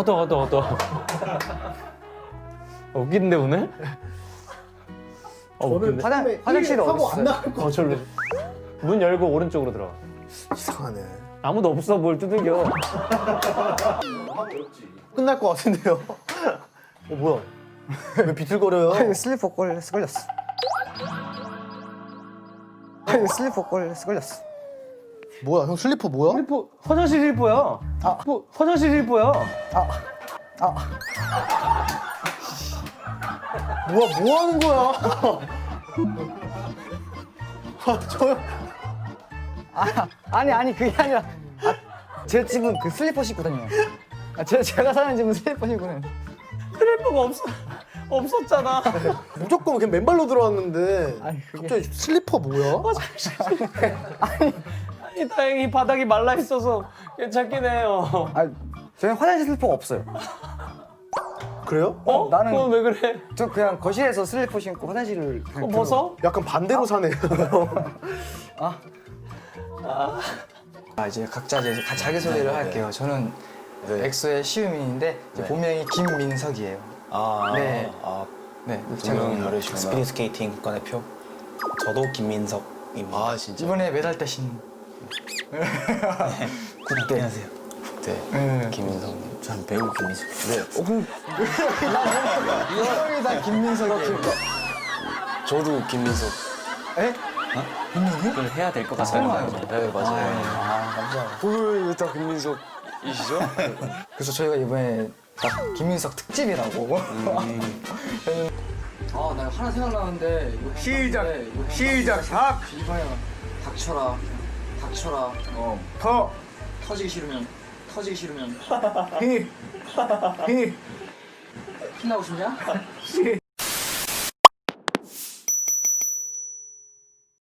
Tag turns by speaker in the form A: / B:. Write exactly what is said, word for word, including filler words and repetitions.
A: 걷어 걷어 걷어. 웃긴데 오늘? 어, 웃긴데?
B: 화장, 화장실이
C: 하고
B: 어디
C: 안
B: 있어요?
C: 나갈 거.
A: 어 절로. 문 열고 오른쪽으로 들어가.
C: 이상하네.
A: 아무도 없어 뭘 두들겨.
C: 끝날 것 같은데요. 어 뭐야? 왜 비틀거려요?
B: 아니, 슬리퍼 걸렸어, 걸렸어. 아니, 슬리퍼 걸렸어, 걸렸어.
C: 뭐야? 형 슬리퍼 뭐야?
A: 슬리퍼 화장실 슬리퍼야. 아, 뭐, 화장실 슬리퍼야.
B: 아, 아,
C: 뭐야? 뭐 하는 거야? 아, 저
B: 아, 아니, 아니, 그게 아니라. 아, 제 집은 그 슬리퍼 신고 다녀요. 아, 제, 제가 사는 집은 슬리퍼 신고 다녀요.
A: 슬리퍼가 없어 없었잖아.
C: 무조건 그냥 맨발로 들어왔는데
B: 아니, 그게-
C: 갑자기 슬리퍼 뭐야?
A: 아니 다행히 바닥이 말라 있어서 괜찮긴 해요.
B: 아, 저희 화장실 슬리퍼가 없어요.
C: 그래요?
A: 어?
B: 나는-
A: 그건 왜 그래?
B: 저 그냥 거실에서 슬리퍼 신고 화장실을 그냥
A: 그거 벗어?
C: 약간 반대로 사네요.
D: 아, 이제 각자 이제 가- 자기소개를 할게요. 저는 엑소의 시우민인데 이제 본명이 김민석이에요.
E: 아,
D: 네.
E: 아,
D: 네,
E: 저는
D: 제가
E: 스피드 스케이팅 국가대표. 저도 김민석입니다. 아, 진짜.
D: 이번에 메달 따신 국대.
E: 안녕하세요. 네,
D: 네.
E: 김민석. 전 배우 김민석. 네,
D: 이형이 다 김민석이에요.
E: 저도 김민석.
D: 에?
A: 그걸 해야 될 것
D: 설마요?
E: 네, 맞아요.
D: 아, 감사합니다.
E: 왜다 김민석이시죠?
D: 그래서 저희가 이번에 딱 김민석 특집이라고. 아, 나 하나 생각나는데. 이거 시작. 이거 시작. 닥. 이봐야. 닥쳐라. 닥쳐라. 어. 터. 터지기 싫으면. 터지기 싫으면. 히. 히. 신나고 싶냐? 시.